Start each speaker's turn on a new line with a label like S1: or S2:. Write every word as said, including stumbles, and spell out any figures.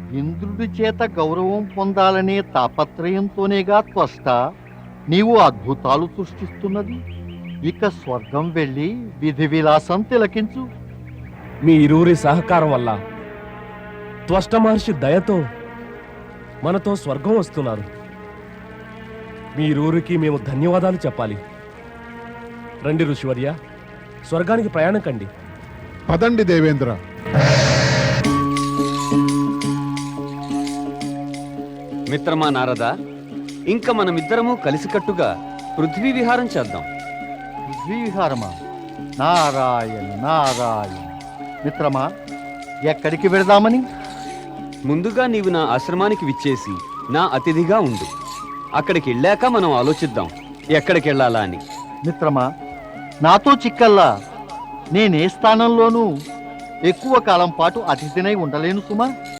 S1: ఇంద్రుడి చేత గౌరవం పొందాలనే తాపత్రయంతోనేగా త్వష్ట నీవు అద్భుతాలు సృష్టిస్తున్నది. ఇక స్వర్గం వెళ్ళి విధి విలాసం తిలకించు.
S2: మీ ఇరువురి సహకారం వల్ల త్వష్ట మహర్షి దయతో మనతో స్వర్గం వస్తున్నారు. మీ ఇరువురికి మేము ధన్యవాదాలు చెప్పాలి. రండి ఋషివర్య, స్వర్గానికి ప్రయాణం కండి.
S3: పదండి దేవేంద్ర.
S4: మిత్రమా నారద, ఇంక మనమిద్దరము కలిసికట్టుగా పృథ్వీ విహారం చేద్దాం.
S1: పృథ్వీ విహారమా? నారాయణ నారాయణ. మిత్రమా, ఎక్కడికి వెళదామని?
S4: ముందుగా నీవు నా ఆశ్రమానికి విచ్చేసి నా అతిథిగా ఉండు. అక్కడికి వెళ్ళాక మనం ఆలోచిద్దాం ఎక్కడికి వెళ్ళాలా అని.
S1: మిత్రమా, నాతో చిక్కల్లా నేనే స్థానంలోనూ ఎక్కువ కాలం పాటు అతిథినై ఉండలేను సుమా.